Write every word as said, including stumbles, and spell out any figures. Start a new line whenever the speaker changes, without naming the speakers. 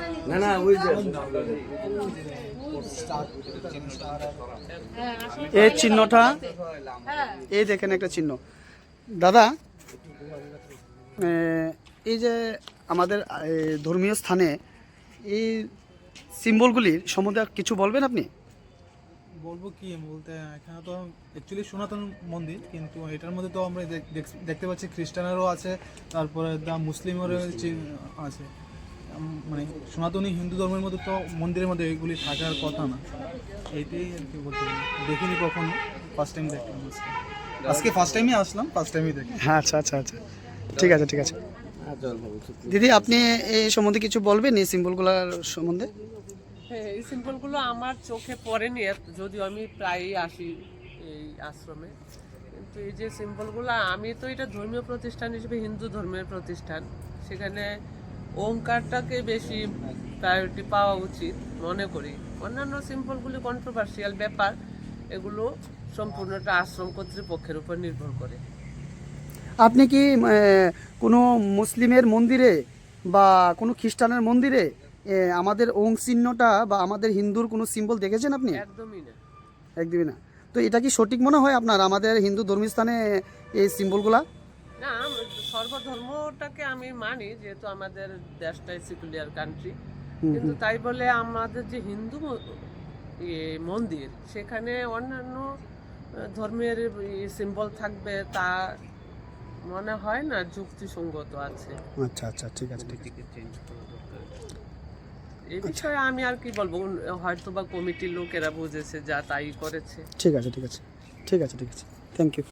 না না ওই যে
এই চিহ্নটা, এই দেখেন একটা চিহ্ন। দাদা, এ, এই যে আমাদের এ, ধর্মীয় স্থানে এই সিম্বলগুলির সম্বন্ধে কিছু বলবেন আপনি?
বলবো কি বলতে, এখানে তো অ্যাকচুয়ালি সনাতন মন্দির, কিন্তু এটার মধ্যে তো আমরা দেখ- দেখ- দেখতে পাচ্ছি খ্রিস্টানেরও আছে, তারপরে দা মুসলিমেরও চি- আছে। উম, মানে সনাতনী হিন্দু ধর্মের মধ্যে তো মন্দিরের মধ্যে এগুলি থাকার কথা না। এইটাই আর কি বলতে পারি। দেখিনি কখনো, ফার্স্ট টাইম দেখলাম আজকে। আজকে ফার্স্ট টাইমই আসলাম, ফার্স্ট টাইমই দেখি।
হ্যাঁ, আচ্ছা আচ্ছা আচ্ছা, ঠিক আছে ঠিক আছে। দিদি, আপনি এই সম্বন্ধে কিছু বলবেন, এই সিম্বলগুলোর সম্বন্ধে?
হ্যাঁ, এই সিম্বলগুলো আমার চোখে পড়েনি, এত- যদিও আমি প্রায়ই আসি এই আশ্রমে, কিন্তু এই যে সিম্বলগুলো, আমি তো এটা ধর্মীয় প্রতিষ্ঠান হিসেবে হিন্দু ধর্মের প্রতিষ্ঠান, সেখানে ওঙ্কারটাকে বেশি প্রায়োরিটি পাওয়া উচিত মনে করি। অন্যান্য সিম্বলগুলি কন্ট্রোভার্সিয়াল ব্যাপার, এগুলো সম্পূর্ণটা আশ্রম কর্তৃপক্ষের উপর নির্ভর করে।
আপনি কি এ, কোনো মুসলিমের মন্দিরে বা কোনো খ্রিস্টানের মন্দিরে এ, আমাদের ওং চিহ্নটা বা আমাদের হিন্দুর কোনো সিম্বল দেখেছেন আপনি?
একদমই না।
একদমই না। তো এটা কি সঠিক মনে হয় আপনার, আমাদের হিন্দু ধর্মীয় স্থানে এই সিম্বলগুলা?
না, সর্বধর্মটাকে আমি মানি, যেহেতু আমাদের দেশটাই সেকুলার কান্ট্রি, কিন্তু তাই বলে আমাদের যে হিন্দু ম- ইয়ে মন্দির, সেখানে অন্যান্য আহ, ধর্মের সিম্বল থাকবে, তা মনে হয় না যুক্তিসঙ্গত আছে।
আচ্ছা আচ্ছা, ঠিক আছে ঠিক আছে।
এই বিষয়ে আমি আর কি বলবো, উন- হয়তো বা কমিটির লোকেরা বুঝেছে, যা তাই করেছে।
ঠিক আছে ঠিক আছে ঠিক আছে ঠিক আছে থ্যাংক ইউ।